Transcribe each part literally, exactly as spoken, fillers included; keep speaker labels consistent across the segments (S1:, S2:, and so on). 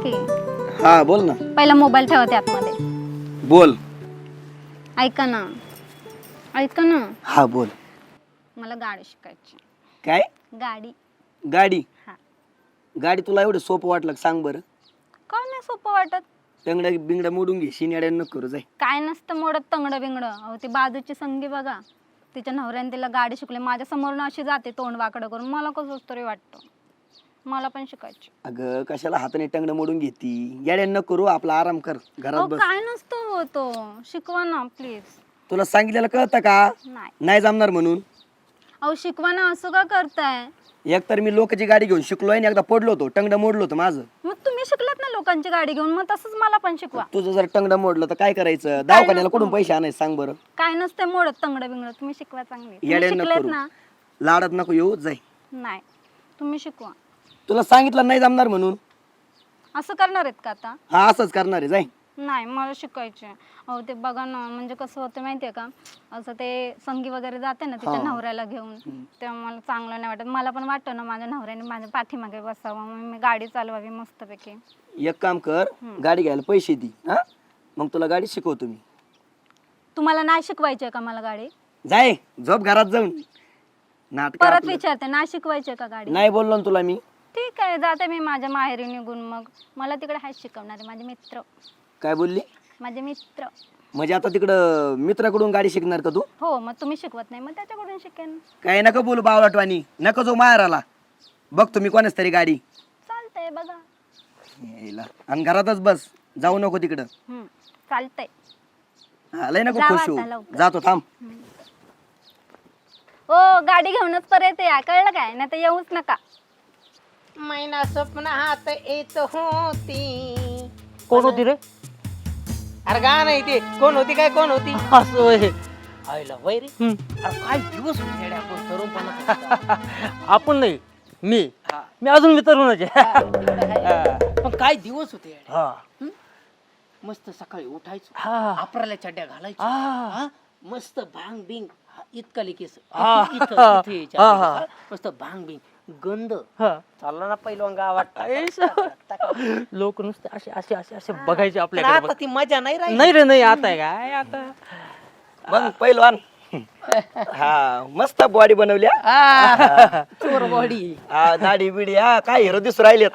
S1: की
S2: हा बोल ना.
S1: पहिला मोबाईल ठेवा त्यातमध्ये.
S2: बोल.
S1: ऐका ना ऐका ना
S2: हा बोल.
S1: मला गाडी शिकायची.
S2: काय?
S1: गाडी.
S2: गाडी?
S1: हा.
S2: गाडी तुला एवढं सोपं वाटलं का सांग बरं?
S1: का नाही सोपं वाटत?
S2: टंगड्या बिंगड्या मोडून घे, शिन्याड्या नको करू जाय.
S1: काय नसतं मोडत तंगडं बिंगडं. अहो ती बाजूची संगी बघा, तिच्या नवऱ्याने तिला गाडी शिकली, माझ्या समोरून अशी जाते तोंड वाकडं करून. मला कसं तरी वाटतं मला पण शिकायची.
S2: अगं कशाला हाताने टंगडं मोडून घेती? येड्या नको करू, आपला आराम कर, घरात
S1: अहो
S2: बस.
S1: काय नसतं होतो, शिकवा ना प्लीज.
S2: तुला सांगितलेलं कळतं का?
S1: नाही.
S2: नाही जमणार म्हणून.
S1: अहो शिकवा ना, असं का करताय?
S2: एक तर मी लोकांची गाडी घेऊन शिकलोय आणि एकदा पडलो होतो, टंगडं मोडलं होतं माझं.
S1: मग तुम्ही शिकलात ना लोकांची गाडी घेऊन, मग तसंच मला पण शिकवा.
S2: तुझं जर टंगडं मोडलं तर काय करायचं? दवाखान्याला कुठून पैसे आणायचे सांग बरं?
S1: काय नसतंय मोडत तंगडं बिंगडं. तुम्ही शिकवा चांगली. तुम्ही
S2: येड्या नको
S1: शिकलेत
S2: करू.
S1: ना?
S2: लाडात नको येऊ जाय.
S1: नाही, तुम्ही शिकवा.
S2: तुला सांगितलं नाही जमणार म्हणून.
S1: असं करणार आहेत का आता?
S2: हा असंच करणार आहे, जाय.
S1: नाही, मला शिकायचे. अहो ते बघा ना, म्हणजे कसं होतं माहितीये का, असं ते संगी वगैरे जाते ना तिच्या नवऱ्याला घेऊन, तेव्हा मला चांगलं नाही वाटत. मला पण वाटतं ना माझ्या नवऱ्याने माझ्या पाठीमागे बसावं, मग मी गाडी चालवावी मस्तपैकी.
S2: एक काम कर, गाडी घ्यायला पैसे दे, हा मग तुला गाडी शिकवतो मी.
S1: तुम्हाला नाही शिकवायची का मला गाडी?
S2: जाय, झोप घरात जाऊन. नाटक
S1: परत विचारते, नाही शिकवायची का गाडी?
S2: नाही बोललो ना तुला मी.
S1: ठीक आहे, जाते मी माझ्या माहेरी निघून. मग मला तिकडे हाच शिकवणारे माझे मित्र.
S2: काय बोलली?
S1: माझे मित्र.
S2: म्हणजे आता तिकडं मित्राकडून गाडी शिकणार का तू?
S1: हो, मग तुम्ही शिकवत नाही, मग त्याच्याकडून शिकेन.
S2: काय नका बोलू बावळटवाणी, नको जो माहेर आला. बघ तुम्ही कोणाच तरी गाडी.
S1: चालतंय बघा.
S2: यायला. आणि घरातच बस, जाऊ नको तिकडं.
S1: हम्म, चालतंय.
S2: हा, लय नको
S1: जावा
S2: खुश
S1: आता
S2: होऊ.
S1: लवकर.
S2: जातो थांब.
S1: हो, गाडी घेऊनच परत या, कळलं काय? नाही तर येऊच नका.
S3: मैना स्वप्नात येत होती.
S4: कोण होती रे?
S3: अरे गा नाही ते कोण होती काय कोण होती
S4: असं होय.
S3: आईला वय रे. अरे काय दिवस होते येड्या आपण तरुणपणात.
S4: आपण नाही, मी मी अजून मी तरुणच आहे.
S3: पण काय दिवस होते येड्या.
S4: हा.
S3: मस्त सकाळी उठायचो,
S4: हा.
S3: आपल्याला चड्ड्या घालायचो,
S4: हा.
S3: हा? मस्त भांग बिंग इतकाले केस
S4: हा.
S3: इथं- इथं- इथे यायचे
S4: हा,
S3: आपले
S4: हा.
S3: केस. मस्त भांग बिंग गंध
S4: हा.
S3: चालला ना पहिलं गावात.
S4: लोक नुसते असे असे असे असे बघायचे
S3: पण
S4: आपल्याकडे
S3: आता ती मजा नाही राहिली.
S4: नाही रे नाही आता आहे काय आता.
S2: मग पहिलवान. हा मस्त बॉडी बनवल्या.
S3: आ, चोर बॉडी.
S2: हा दाढी बिडी, हा काय हिरो दिसू राहिलेत.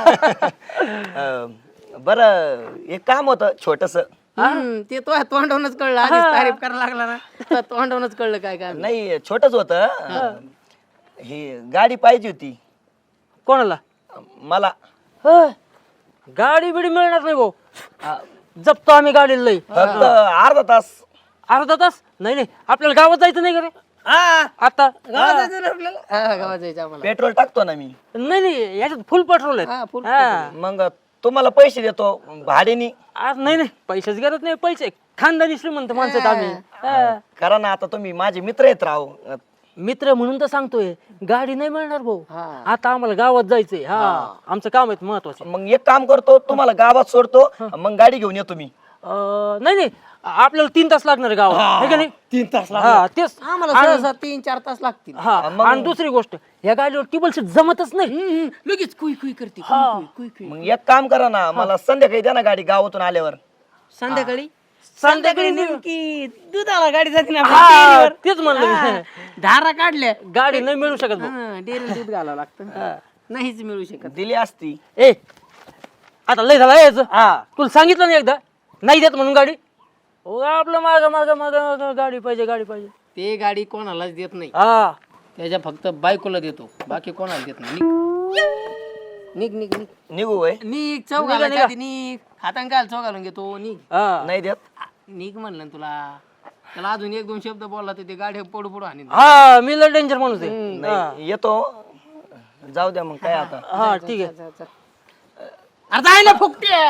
S2: बर, एक काम होतं छोटस.
S3: हम्म, ते तो तोंडवूनच कळलं. आधीच तारीफ करायला लागला ना, तर तोंडवूनच कळलं काय काय.
S2: नाही छोटच होतं. ही गाडी पाहिजे होती
S4: कोणाला?
S2: मला.
S4: होय. गाडी बिडी मिळणार नाही भाऊ.
S2: हा,
S4: जपतो आम्ही गाडीला लई.
S2: फक्त अर्धा तास.
S4: अर्धा तास? नाही नाही, आपल्याला गावात जायचं नाही का रे
S2: हा
S4: आता?
S3: गावात जायचं ना आपल्याला. हा, गावात जायचं आम्हाला.
S2: पेट्रोल टाकतो ना मी.
S4: नाही नाही, याच्यात फुल पेट्रोल
S3: हा,
S4: आहे.
S3: full
S4: हा.
S2: मग तुम्हाला पैसे देतो भाड्यानी.
S4: आज नाही नाही, पैशाच गरज नाही. पैसे खानदानी श्रीमंत माणसं आहेत आम्ही. हा.
S2: करा ना, आता तुम्ही माझे मित्र आहेत राव.
S4: मित्र म्हणून तर सांगतोय, गाडी नाही मिळणार भाऊ.
S3: हा.
S4: आता आम्हाला गावात जायचंय. हा, आमचं काम आहे महत्वाचं.
S2: मग एक काम करतो, तुम्हाला गावात सोडतो, मग गाडी घेऊन येतो मी.
S4: अं, नाही नाही, आपल्याला तीन तास लागणार आहे गावात, है का नाही?
S3: तीन तास
S4: हा तेच.
S3: आम्हाला सहसा तीन चार तास लागतील.
S4: हा, आणि दुसरी गोष्ट, या गाडीवर टिबल सीट जमतच नाही.
S3: हम्म, लगेच कुई कुई करते.
S4: हा.
S3: कुई कुई कुई.
S2: मग एक काम करा ना, मला संध्याकाळी द्या ना गाडी गावातून आल्यावर.
S3: संध्याकाळी
S4: संध्याकाळी
S3: नेमकी दुधाला गाडी जाते ना
S4: हा,
S3: आपल्या डेअरीवर.
S4: तेच म्हणलं मी.
S3: हा, धारा काढल्या
S4: गाडी नाही मिळू शकत भाऊ.
S3: हा, डेअरीला दूध घालावं लागतं. नाहीच मिळू शकत.
S2: दिली असती.
S4: ए आता लय झाला यायचं.
S2: हा
S4: तुला सांगितलं नाही एकदा नाही देत म्हणून गाडी? हो, आपलं माग माग माग गाडी पाहिजे गाडी पाहिजे.
S3: ते गाडी कोणालाच देत नाही,
S4: हा,
S3: त्याच्या फक्त बायकोला देतो, बाकी कोणाला देत नाही. निघ निघ निघ
S2: निघू वय.
S3: निघ चौ
S4: निघा,
S3: घालायच्या
S4: निघा.
S3: आधी निघ. हातान काय चौ घालून घेतो. निघ
S4: हा.
S2: नाही देत.
S3: निघ म्हणलं ना तुला. त्याला अजून एक दोन शब्द बोलला तर ते गाडी पडू पडू आणि
S4: हा, मी लय डेंजर माणूस आहे.
S2: नाही येतो. जाऊ द्या मग काय आता.
S4: हा ठीक आहे.
S3: अरे जायला फुकटे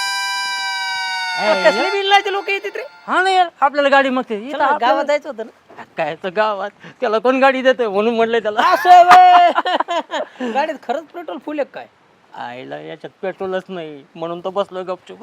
S3: कसले बिल्लाचे लोक येतात रे.
S4: हा नाही यार, आपल्याला गाडी मागते. इथं
S3: चला,
S4: आपल्याला-
S3: गावात जायचं होतं ना.
S4: काय तर गावात त्याला कोण गाडी देते म्हणून म्हणलंय त्याला.
S3: असं व्हय. गाडीत खरंच पेट्रोल फुल आहे काय?
S4: आईला याच्यात पेट्रोलच नाही म्हणून तो बसलो गपचूप.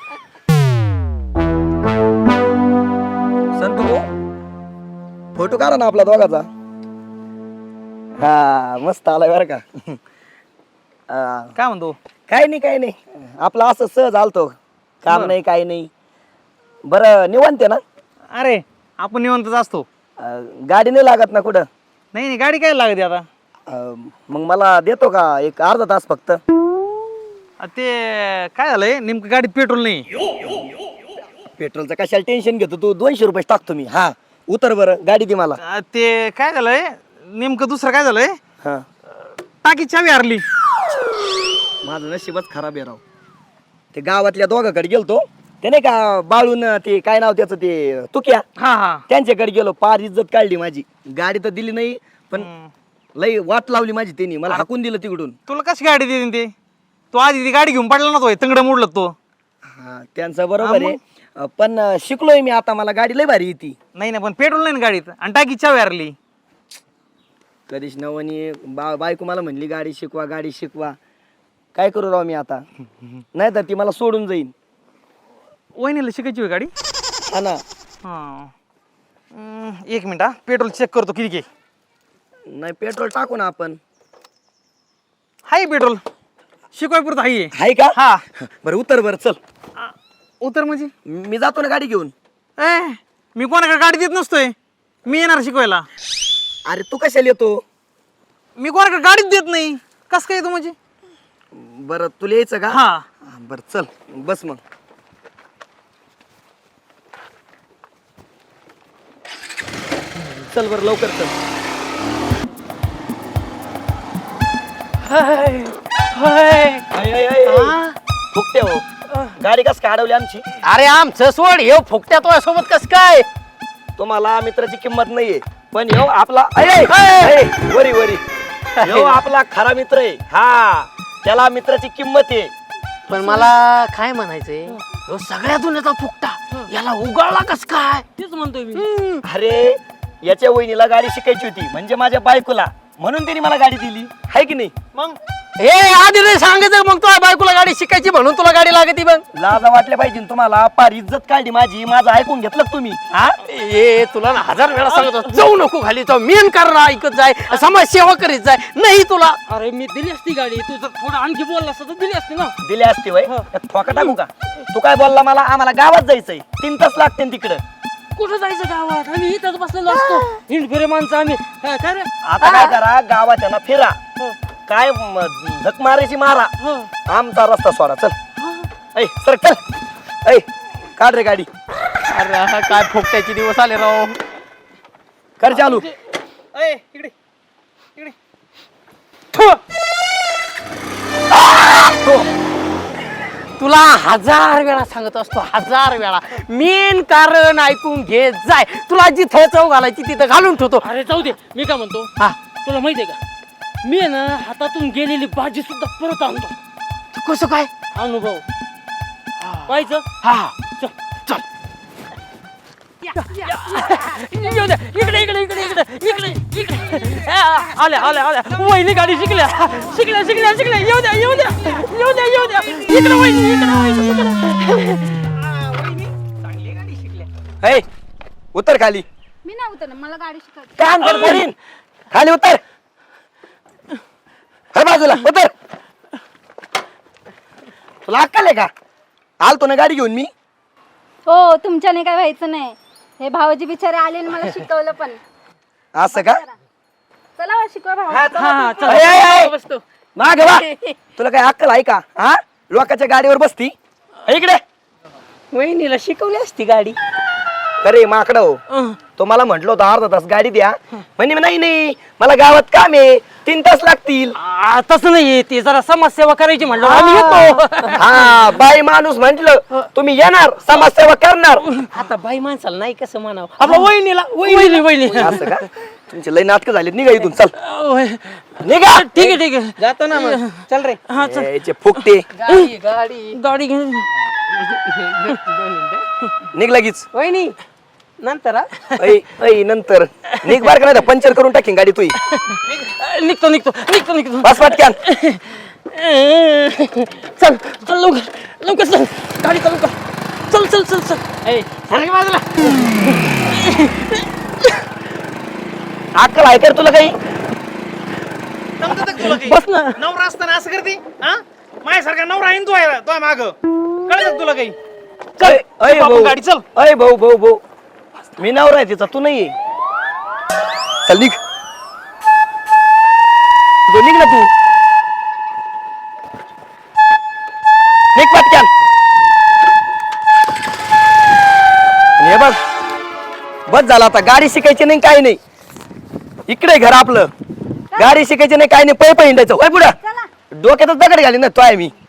S2: संतू फोटो काढा ना आपला दोघाचा. हा मस्त आलाय बरं का. अं,
S5: काय म्हणतो?
S2: काय नाही काय नाही आपलं असं सहज आलतो काम नाही काय नाही. बरं निवांत आहे ना?
S5: अरे आपण निवांतच असतो.
S2: अं, गाडी नाही लागत ना कुठं?
S5: नाही नाही गाडी काय लागते आता?
S2: अं, मग मला देतो का एक अर्धा तास फक्त?
S5: आ, ते काय झालंय नेमकं गाडीत पेट्रोल नाही.
S2: पेट्रोलचं कशाला टेन्शन घेतो तू? दोनशे रुपये टाकतो मी. हा उतर बरं गाडी दे मला.
S5: आ, ते काय झालंय नेमकं दुसरं काय झालंय
S2: हा
S5: टाकी चावी हरली.
S2: माझं नशीबच खराब आहे राव. ते गावातल्या दोघाकडे गेलतो ते नाही का बाळून ते काय नाव त्याचं ते तुक्या
S5: हा हा
S2: त्यांच्याकडे गेलो. पार इज्जत काढली माझी. गाडी तर दिली नाही पण लई वाट लावली माझी त्यांनी. मला हाकून दिलं तिकडून.
S5: तुला कशी गाडी देईन ते? तू आधी ती गाडी घेऊन पडला ना तो तंगड मोडलं तो.
S2: हा त्यांचं बरोबर आहे अं, पण अं, शिकलोय मी आता. मला गाडी लई भारी येते.
S5: नाही नाही पण पेट्रोल नाही ना गाडीत आणि टाकी चावी हरली.
S2: कधीच नवनी बा बायको मला म्हणली गाडी शिकवा गाडी शिकवा. काय करू राव मी आता? नाही तर ती मला सोडून जाईन.
S5: वहिनीला शिकायची होय गाडी?
S2: हा ना.
S5: हा हम्म, एक मिनिट हा पेट्रोल चेक करतो किती घे.
S2: नाही पेट्रोल टाकू ना आपण.
S5: हाय पेट्रोल शिकवाय पुरतं हाय.
S2: आहे का?
S5: हा
S2: बरं उतर बरं चल.
S5: आ, उतर म्हणजे
S2: मी जातो ना गाडी घेऊन.
S5: ए मी कोणाकडे गाडी देत नसतोय. मी येणार शिकवायला.
S2: अरे तू कशाला येतो?
S5: मी कोणाकडे गाडीच देत नाही. कस काय येतो म्हणजे?
S2: बरं तुला यायचं का?
S5: हा
S2: हा, बरं चल बस मग. चल बरं लवकर चल. फुकटे हो गाडी कस काय अडवली आमची?
S3: अरे आमचं सोड हे फुकट्या तो सोबत कस काय?
S2: तुम्हाला मित्राची किंमत नाहीये पण ह्यो आपला अय, अय, अय, वरी वरी ह्यो आपला खरा मित्र आहे. हा त्याला मित्राची किंमत आहे.
S3: पण मला काय म्हणायचंय ह्यो सगळ्या दुनियाचा फुकटा याला उगाळला कस काय?
S4: तेच म्हणतोय मी.
S2: अरे याच्या वहिनीला गाडी शिकायची होती म्हणजे माझ्या बायकोला म्हणून तिने मला गाडी दिली आहे की नाही?
S5: मग
S3: हे आधी नाही सांगायचं मग तुला बायकोला गाडी शिकायची म्हणून तुला गाडी लागती बघ.
S2: लाजा वाटल्या पाहिजे ना तुम्हाला. पार इज्जत काढली माझी. माझं ऐकून घेतलं का तुम्ही?
S3: हा ए तुला ना हजार वेळा सांगतो जाऊ नको खाली जाऊ. मेन कारण ऐकत जाय समाजसेवा करीत जाय. नाही तुला
S4: अरे मी दिली असती गाडी. तू जर थोडं आणखी बोलला असता तर दिली असती ना.
S2: दिले असते वय ठोका टाकू का? तू काय बोलला मला? आम्हाला गावात जायचंय. तीन तास लागते तिकडं.
S4: कुठं जायचं गावात? आम्ही इथंच बसलेलो असतो. हिंड फिरे माणसं आम्ही. हा, काय रे?
S2: आता काय करा गावात आहे ना फिरा. काय म- झक मारायची मारा. आमचा रस्ता सोडा चल. ऐ सर चल. ऐ काढ रे गाडी.
S3: अरे हा काय फुकट्याचे दिवस आले राव.
S2: कर चालू.
S5: ए इकडे इकडे
S3: तुला हजार वेळा सांगत असतो हजार वेळा मेन कारण ऐकून घे जाय. तुला जिथे चव घालायची तिथं घालून ठेवतो.
S4: अरे जाऊ दे. मी काय म्हणतो
S3: हा
S4: तुला माहितीये का मी आहे ना हातातून गेलेली भाजी सुद्धा परत आणतो.
S3: तू कसं काय?
S4: अनुभव पाहायचं.
S3: हा
S4: चल
S3: चल.
S4: येऊ द्या. इकडे इकडे इकडे इकडे इकडे इकडे आ, आल्या आल्या आल्या. वहिनी गाडी शिकल्या शिकल्या शिकल्या शिकल्या. येऊ द्या येऊ द्या येऊ द्या येऊ द्या. इकडे वहिनी इकडे वहिनी इकडे.
S2: ऐ उतर खाली.
S1: मी नाही उतरणार. मला गाडी शिकायची.
S2: काम कर करीन. खाली उतर. हे बाजूला उतर. तुला अक्कल आहे का? आलतो ना गाडी घेऊन मी.
S1: हो तुमच्याने काय व्हायचं नाही. हे भावाजी बिचारे आले आणि मला शिकवलं पण.
S2: असं का?
S1: चला बा, शिकवा भाऊ.
S4: हा चल
S2: ऐ, ऐ, ऐ.
S4: बसतो.
S2: माग वा. तुला काय अक्कल आहे का? हा लोकांच्या गाडीवर बसती. इकडे
S3: वहिनीला शिकवली असती गाडी.
S2: अरे माकड हो तो मला म्हटलं होतं अर्धा तास गाडी द्या. म्हणजे नाही नाही मला गावात काम आहे. तीन तास लागतील.
S4: आ, तसं नाही. ते जरा समाजसेवा करायची म्हणलं आम्ही येतो.
S2: हा बाई माणूस म्हंटल तुम्ही येणार समाजसेवा करणार.
S3: आता बाई माणसाला नाही कसं म्हणावं. आपल्या वहिनीला
S4: वहिनी वहिनी.
S2: असं का? तुमचे लय नाटकं झालेत. निघा इथून चल
S4: ओय.
S2: निघा.
S4: ठीक आहे ठीक आहे.
S3: जातो ना मग. चल रे.
S4: हा चल.
S2: याचे फुकटे
S3: गाडी गाडी
S4: गाडी घे.
S2: निघ लगीच.
S3: वहिनी नंतर हा?
S2: ऐ ऐ नंतर निघ बार का नाही तर पंचर करून टाकीन गाडी तुई.
S4: निघतो निघतो निघतो निघतो.
S2: बस पटक्यान.
S4: चल चल लवकर लवकर चल. गाडी चालू कर. चल चल चल चल.
S3: ए सारखं बाजूला.
S2: अक्कल आहे कर तुला काही?
S5: समजत का तुला काही?
S3: बस ना.
S5: नवरा असताना असं करते हा माझ्यासारखा नवरा आहे ना तू आहे तो माग कळलं का तुला काही चल
S2: अय, अय
S5: झोप आपण
S2: भाऊ
S5: गाडी चल
S2: अय भाऊ भाऊ भाऊ मी नवरा आहे तिचा तू नाहीये चल निघ तू निघ ना तू निघ पटक्यान आणि हे बघ बस झाला आता गाडी शिकायची नाही काही नाही इकडे घर आपलं गाडी शिकायची नाही काही नाही पै पै हिंडायचं होय पुढं डोक्यातच दगड घाली ना तो आहे मी